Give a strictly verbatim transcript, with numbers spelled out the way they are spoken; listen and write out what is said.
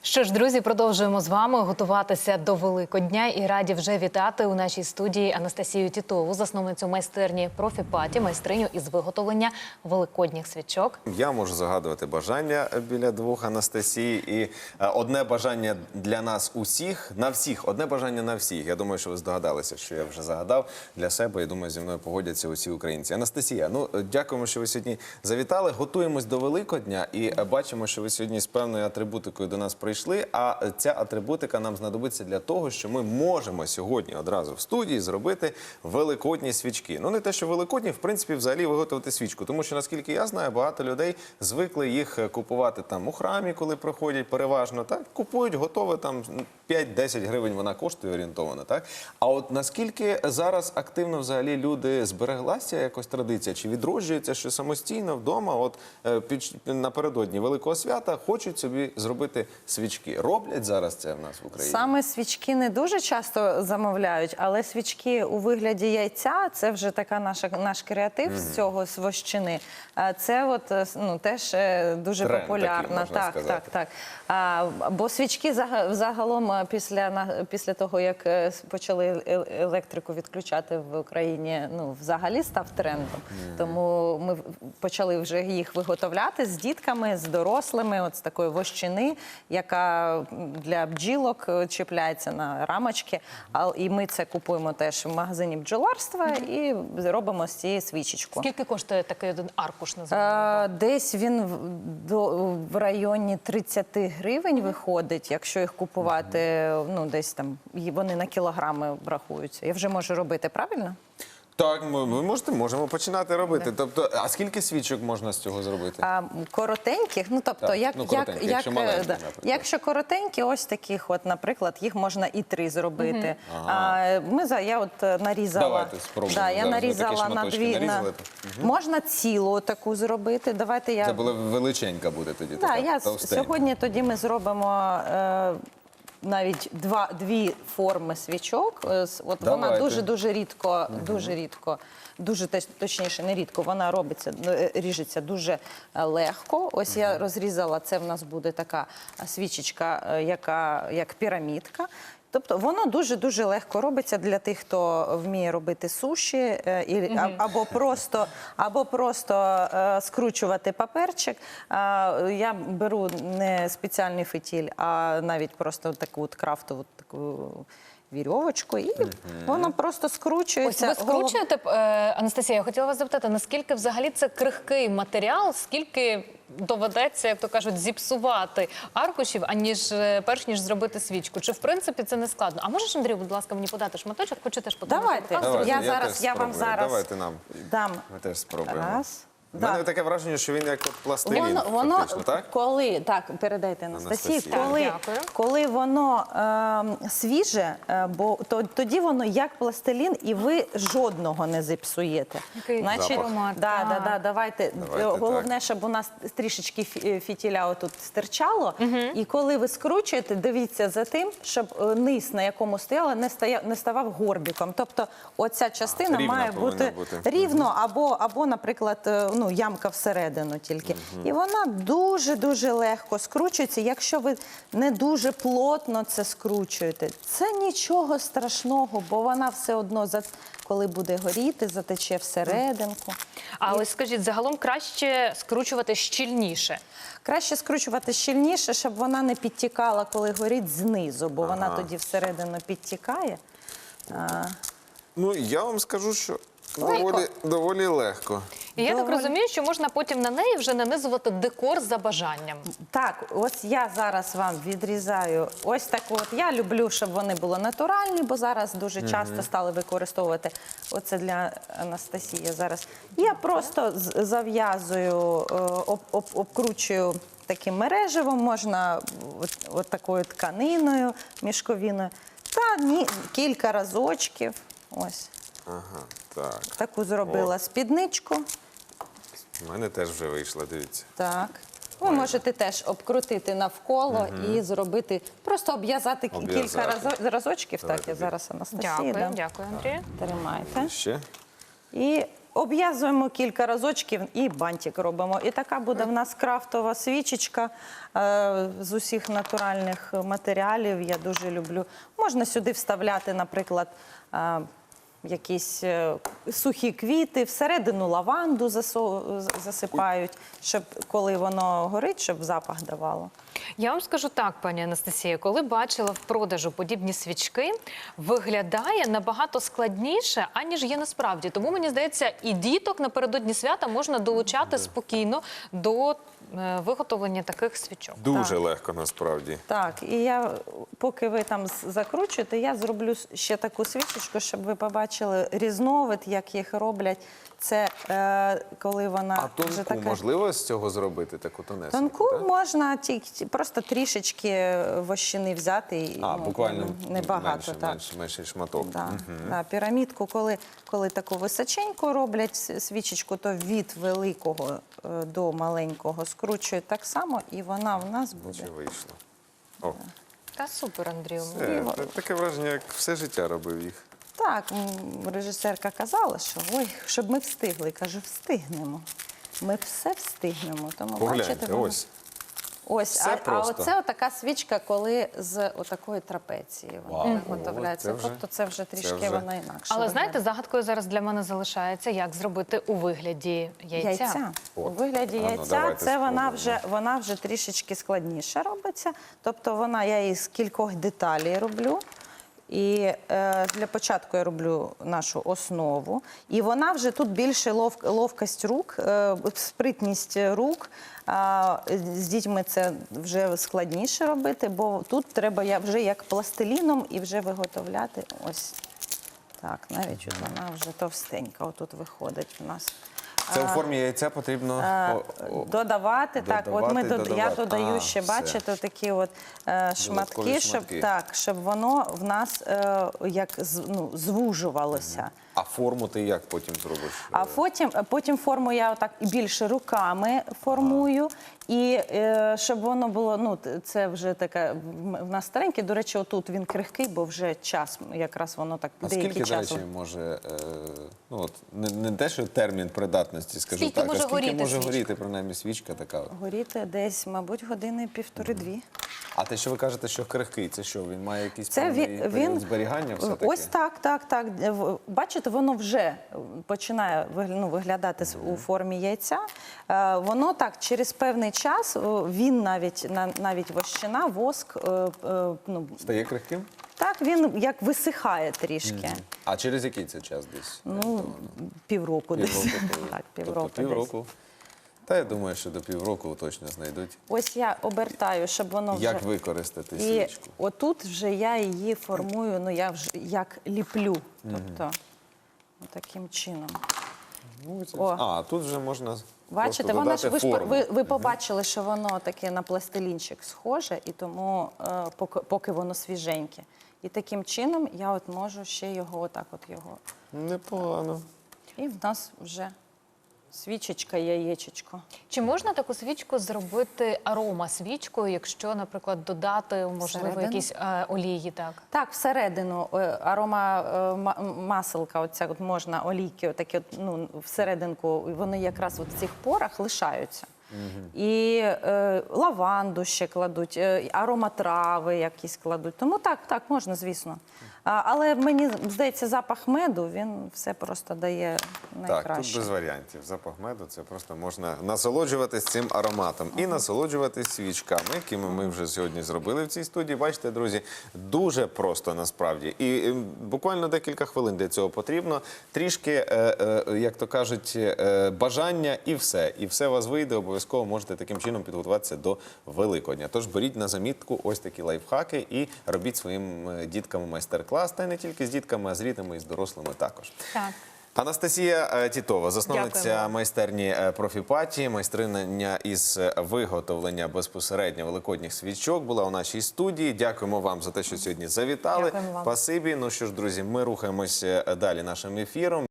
Що ж, друзі, продовжуємо з вами готуватися до Великодня і раді вже вітати у нашій студії Анастасію Тітову, засновницю майстерні «Профі-паті», майстриню із виготовлення великодніх свічок. Я можу загадувати бажання біля двох Анастасії. І одне бажання для нас усіх, на всіх, одне бажання на всіх. Я думаю, що ви здогадалися, що я вже загадав для себе. І думаю, зі мною погодяться усі українці. Анастасія, ну, дякуємо, що ви сьогодні завітали. Готуємось до Великодня і бачимо, що ви сьогодні з певною атрибутикою до нас прийшли. А ця атрибутика нам знадобиться для того, що ми можемо сьогодні одразу в студії зробити великодні свічки. Ну, не те, що великодні, в принципі, взагалі виготовити свічку. Тому що, наскільки я знаю, багато людей звикли їх купувати там у храмі, коли проходять переважно. Так? Купують, готове, там п'ять-десять гривень вона коштує орієнтовано. Так? А от наскільки зараз активно взагалі люди збереглася якось традиція? Чи відроджується, що самостійно вдома, от під, напередодні Великого свята, хочуть собі зробити свічки? Роблять зараз це в нас в Україні? Саме свічки не дуже часто замовляють, але свічки у вигляді яйця – це вже така наша, наш креатив mm-hmm. з цього, з вощини. Це от, ну, теж дуже тренд популярно. такий, можна так, сказати. так, так. А, бо свічки загалом після, після того, як почали електрику відключати в Україні, ну, взагалі став трендом. Mm-hmm. Тому ми почали вже їх виготовляти з дітками, з дорослими, от з такої вощини, яка для бджілок чіпляється на рамочки. І ми це купуємо теж в магазині бджоларства і робимо з цієї свічечку. Скільки коштує такий один аркуш? Називаємо? Десь він в районі тридцяти гривень виходить, якщо їх купувати, ну, десь там, вони на кілограми рахуються. Я вже можу робити, правильно? Так, ми, ви можете, можемо починати робити. Да. Тобто, а скільки свічок можна з цього зробити? А, коротеньких, ну, тобто, так, як, ну, як, якщо, як, маленькі, да. Якщо коротенькі, ось таких, от, наприклад, їх можна і три зробити. Угу. Ага. А, ми, я от нарізала. Давайте спробуємо. Да, я нарізала на дві. На... Угу. Можна цілу таку зробити. Давайте я... Це була величенька буде тоді. Да, така, я... товстенька. Сьогодні тоді ми зробимо... Е... навіть два, дві форми свічок. От вона дуже-дуже рідко, угу. дуже рідко, дуже точніше, не рідко, вона робиться, ріжеться дуже легко. Ось угу. я розрізала, це в нас буде така свічечка, яка як пірамідка. Тобто воно дуже-дуже легко робиться для тих, хто вміє робити суші, і, mm-hmm. або просто, або просто е, скручувати паперчик. Е, я беру не спеціальний фитіль, а навіть просто таку от крафтову таку вірьовочку, і mm-hmm. воно просто скручується. Ось ви скручуєте, Анастасія, я хотіла вас запитати, наскільки взагалі це крихкий матеріал, скільки доведеться, як то кажуть, зіпсувати аркушів, аніж перш ніж зробити свічку? Чи в принципі це не складно? А можеш, Андрію, будь ласка, мені подати шматочок? Хочу теж подати. Давайте. Давайте. Я, Я, зараз, я вам зараз Давайте нам. дам. Ми теж спробуємо. Раз. У мене Да. таке враження, що він як от пластилін, воно, воно, фактично, так? Коли, так, передайте Анастасії, Анастасія. коли, Дякую. коли воно е, свіже, е, бо то, тоді воно як пластилін, і ви жодного не зіпсуєте. Який Значить, аромат. да, да, да, давайте, Давайте головне, так. щоб у нас трішечки фітіля отут стирчало, угу. і коли ви скручуєте, дивіться за тим, щоб низ, на якому стояла, не, стояв, не ставав горбиком. Тобто оця частина Рівна має бути, бути рівно, угу. або, або, наприклад, ну, ямка всередину тільки. Угу. І вона дуже-дуже легко скручується. Якщо ви не дуже плотно це скручуєте, це нічого страшного, бо вона все одно, коли буде горіти, затече всерединку. А І... ось скажіть, загалом краще скручувати щільніше? Краще скручувати щільніше, щоб вона не підтікала, коли горить знизу, бо ага. вона тоді всередину підтікає. А... Ну, я вам скажу, що доволі, доволі легко. І я Доволі... так розумію, що можна потім на неї вже нанизувати декор за бажанням. Так, ось я зараз вам відрізаю ось таку от. Я люблю, щоб вони були натуральні, бо зараз дуже угу. часто стали використовувати. Оце для Анастасії зараз. Я просто зав'язую, об, об, обкручую таким мереживом, можна от, от такою тканиною мішковіною. Та ні, кілька разочків. Ось. Ага, так. Таку зробила О. спідничку. У мене теж вже вийшло, дивіться. Так. Ви Ой. можете теж обкрутити навколо угу. і зробити, просто обв'язати кілька разо, разочків. Давайте так, я зараз Анастасії Дякую, дам. дякую, Андрію. Тримайте. Ще? І обв'язуємо кілька разочків і бантик робимо. І така буде в нас крафтова свічечка е, з усіх натуральних матеріалів. Я дуже люблю. Можна сюди вставляти, наприклад, е, якісь е, сухі квіти, всередину лаванду засо- засипають, щоб коли воно горить, щоб запах давало. Я вам скажу так, пані Анастасія, коли бачила в продажу подібні свічки, виглядає набагато складніше, аніж є насправді. Тому, мені здається, і діток напередодні свята можна долучати спокійно до е, виготовлення таких свічок. Дуже легко насправді. Так, і я, поки ви там з- закручуєте, я зроблю ще таку свічечку, щоб ви побачили різновид, як їх роблять. Це е, коли вона А вже тонку така... можливо з цього зробити таку тонесеньку? Тонку так? можна тільки просто трішечки вощини взяти. І, А, ну, буквально небагато. менше, так. менше, менший шматок. Да, Мгм. да, пірамідку, коли, коли таку височеньку роблять с- свічечку, то від великого е, до маленького скручують так само, і вона в нас буде. Чи вийшло? О, Та супер, Андрію. це, таке враження, як все життя робив їх. Так, м, режисерка казала, що ой, щоб ми встигли. Кажу, встигнемо. Ми все встигнемо. Тому Погляньте, бачите, воно- ось. Ось, Все а, а просто. оце така свічка, коли з отакої трапеції вона Вау, виготовляється. це вже- Тобто це вже трішки вже- вона інакше. Але виглядає. знаєте, загадкою зараз для мене залишається, як зробити у вигляді яйця. Яйця. У От. вигляді А ну, яйця давайте це вона спробуємо. вже, вона вже трішечки складніше робиться. Тобто вона, я її з кількох деталей роблю. І е, для початку я роблю нашу основу. І вона вже тут більше лов, ловкость рук, е, спритність рук. А, з дітьми це вже складніше робити, бо тут треба я вже як пластиліном і вже виготовляти ось так. Навіть от вона вже товстенька. Отут виходить в нас. Це у формі яйця потрібно Е, о- о- Додавати, так, от ми додавати, дод- я додавати. додаю А, ще, все. бачите, такі от е, шматки, щоб шматки. так, щоб воно в нас е, як з- ну, звужувалося. А форму ти як потім зробиш? А потім, потім форму я отак більше руками формую. І е, щоб воно було, ну т- це вже таке в нас стареньке. До речі, отут він крихкий, бо вже час, якраз воно так А деякий скільки, до час. речі, може, е, ну от не, не те, що термін придатності, скажу Скільки так, може а скільки горіти може свічка? горіти, принаймні, свічка така? от? Горіти десь, мабуть, години півтори-дві. А те, що ви кажете, що крихкий, це що, він має якийсь Це певний він, період він зберігання все-таки? ось так, так, так. В- Бачите, воно вже починає вигля- ну, виглядати с- у формі яйця. Е, Воно так через певний час, о, він навіть на- навіть вощина, воск, е, е, ну Стає крихким? так він як висихає трішки. А через який це час десь? Ну півроку десь. Півроку. коли? Так, півроку Тобто десь. півроку. Та я думаю, що до півроку точно знайдуть, Ось я обертаю, щоб воно вже як використати і свічку. отут вже я її формую. Ну я вже як ліплю, тобто таким чином. Ну, це- О. А, тут вже можна Бачите, просто воно ж ви, додати ж по- форму. ви, ви побачили, що воно таке на пластилінчик схоже, і тому е, поки, поки воно свіженьке. І таким чином я от можу ще його отак от його. Непогано. І в нас вже свічечка, яєчечко. Чи можна таку свічку зробити арома-свічкою, якщо, наприклад, додати, можливо, Всередину? якісь е, олії, так? Так, всередину е, арома е, ма- маселка, оця от можна олійки, отакі от, ну, всерединку, вони якраз от в цих порах лишаються. І е, лаванду ще кладуть, е, ароматрави якісь кладуть. Тому так, так, можна, звісно. А, але мені здається, запах меду, він все просто дає найкраще. Так, тут без варіантів. Запах меду, це просто можна насолоджуватись цим ароматом і насолоджуватись свічками, якими ми вже сьогодні зробили в цій студії. Бачите, друзі, дуже просто насправді. І е, буквально декілька хвилин для цього потрібно. Трішки, е, е, як то кажуть, е, бажання і все. І все у вас вийде, обов'язково можете таким чином підготуватися до Великодня. Тож беріть на замітку ось такі лайфхаки і робіть своїм е, діткам майстер-клас. Та й не тільки з дітками, а з рідними і з дорослими також. Так. Анастасія е, Тітова, засновниця Дякуємо. майстерні е, «Профіпаті», майстриня із е, виготовлення безпосередньо великодніх свічок, була у нашій студії. Дякуємо вам за те, що сьогодні завітали. Дякуємо вам. Спасибі. Ну що ж, друзі, ми рухаємося далі нашим ефіром.